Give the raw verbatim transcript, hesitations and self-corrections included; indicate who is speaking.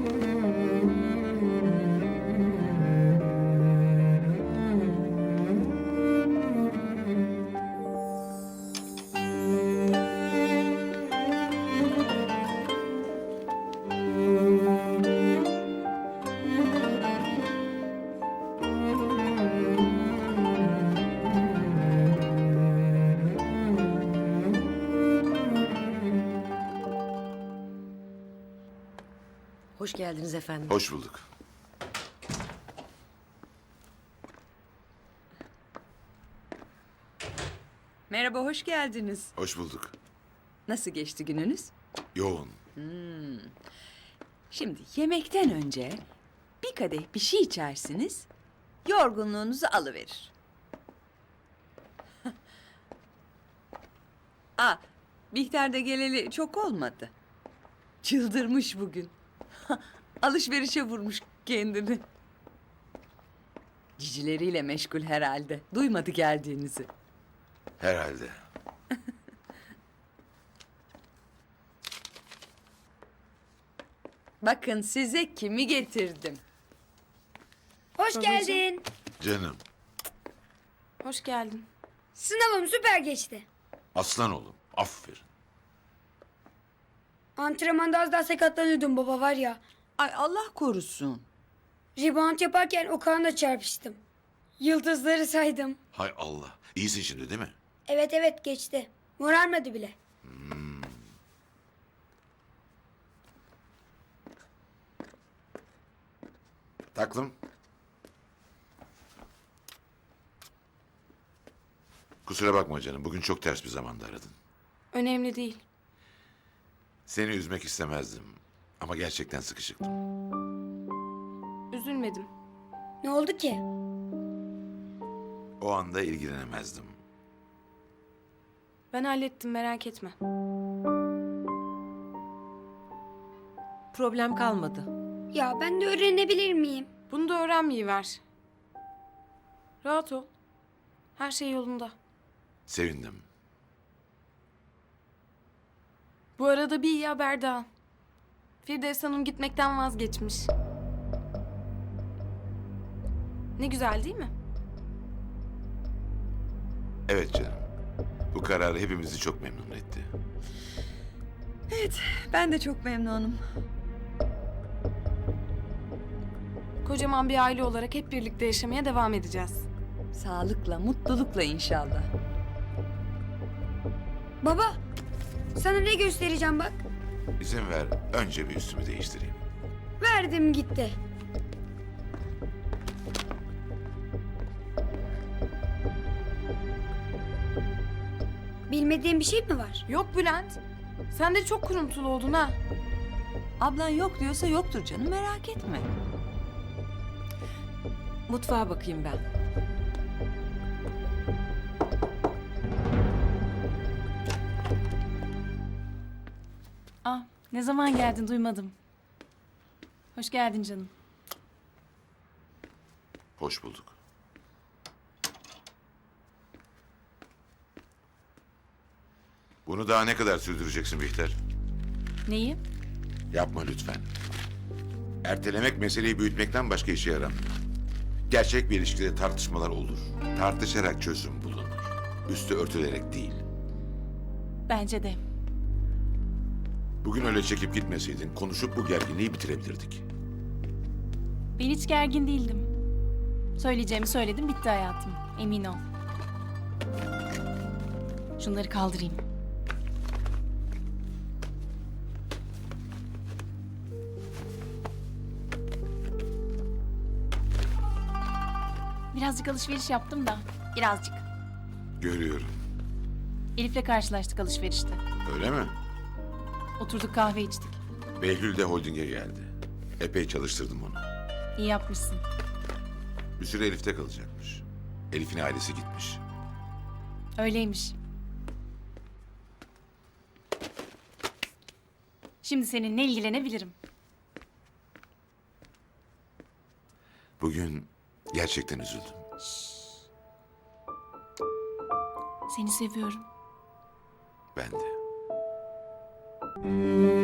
Speaker 1: Hoş geldiniz efendim.
Speaker 2: Hoş bulduk.
Speaker 3: Merhaba, hoş geldiniz.
Speaker 2: Hoş bulduk.
Speaker 3: Nasıl geçti gününüz?
Speaker 2: Yoğun.
Speaker 3: Şimdi yemekten önce bir kadeh bir şey içersiniz, yorgunluğunuzu alıverir. Aa, Bihter de geleli çok olmadı. Çıldırmış bugün. Alışverişe vurmuş kendini. Cicileriyle meşgul herhalde. Duymadı geldiğinizi.
Speaker 2: Herhalde.
Speaker 3: Bakın size kimi getirdim.
Speaker 4: Hoş geldin.
Speaker 2: Canım.
Speaker 5: Hoş geldin.
Speaker 4: Sınavım süper geçti.
Speaker 2: Aslan oğlum. Aferin.
Speaker 4: Antrenmanda az daha sakatlanıyordum baba var ya.
Speaker 3: Ay Allah korusun.
Speaker 4: Rebound yaparken Okan'la çarpıştım. Yıldızları saydım.
Speaker 2: Hay Allah. İyisin şimdi değil mi?
Speaker 4: Evet evet geçti. Morarmadı bile.
Speaker 2: Taklım. Kusura bakma canım. Bugün çok ters bir zamanda aradın.
Speaker 5: Önemli değil.
Speaker 2: Seni üzmek istemezdim. Ama gerçekten sıkışıktım.
Speaker 5: Üzülmedim.
Speaker 4: Ne oldu ki?
Speaker 2: O anda ilgilenemezdim.
Speaker 5: Ben hallettim, merak etme.
Speaker 1: Problem kalmadı.
Speaker 4: Ya ben de öğrenebilir miyim?
Speaker 5: Bunu da öğrenmeyiver. Rahat ol. Her şey yolunda.
Speaker 2: Sevindim.
Speaker 5: Bu arada bir iyi haber daha. Firdevs Hanım gitmekten vazgeçmiş. Ne güzel değil mi?
Speaker 2: Evet canım. Bu karar hepimizi çok memnun etti.
Speaker 3: Ben de çok memnunum.
Speaker 5: Kocaman bir aile olarak hep birlikte yaşamaya devam edeceğiz.
Speaker 3: Sağlıkla, mutlulukla inşallah.
Speaker 4: Baba sana ne göstereceğim bak.
Speaker 2: İzin ver. Önce bir üstümü değiştireyim.
Speaker 4: Verdim gitti. Bilmediğin bir şey mi var?
Speaker 5: Yok Bülent. Sen de çok kuruntulu oldun ha.
Speaker 3: Ablan yok diyorsa yoktur canım, merak etme.
Speaker 1: Mutfağa bakayım ben.
Speaker 6: Ah, ne zaman geldin duymadım. Hoş geldin canım.
Speaker 2: Hoş bulduk. Bunu daha ne kadar sürdüreceksin Bihter?
Speaker 6: Neyi?
Speaker 2: Yapma lütfen. Ertelemek meseleyi büyütmekten başka işe yaramıyor. Gerçek bir ilişkide tartışmalar olur. Tartışarak çözüm bulunur. Üstü örtülerek değil.
Speaker 6: Bence de.
Speaker 2: Bugün öyle çekip gitmeseydin konuşup bu gerginliği bitirebilirdik.
Speaker 6: Ben hiç gergin değildim. Söyleyeceğimi söyledim, bitti hayatım. Emin ol. Şunları kaldırayım. Birazcık alışveriş yaptım da. Birazcık.
Speaker 2: Görüyorum.
Speaker 6: Elif'le karşılaştık alışverişte.
Speaker 2: Öyle mi?
Speaker 6: Oturduk kahve içtik.
Speaker 2: Behlül de holdinge geldi. Epey çalıştırdım onu.
Speaker 6: İyi yapmışsın.
Speaker 2: Bir süre Elif'te kalacakmış. Elif'in ailesi gitmiş.
Speaker 6: Öyleymiş. Şimdi seninle ilgilenebilirim.
Speaker 2: Bugün gerçekten üzüldüm.
Speaker 6: Seni seviyorum.
Speaker 2: Ben de.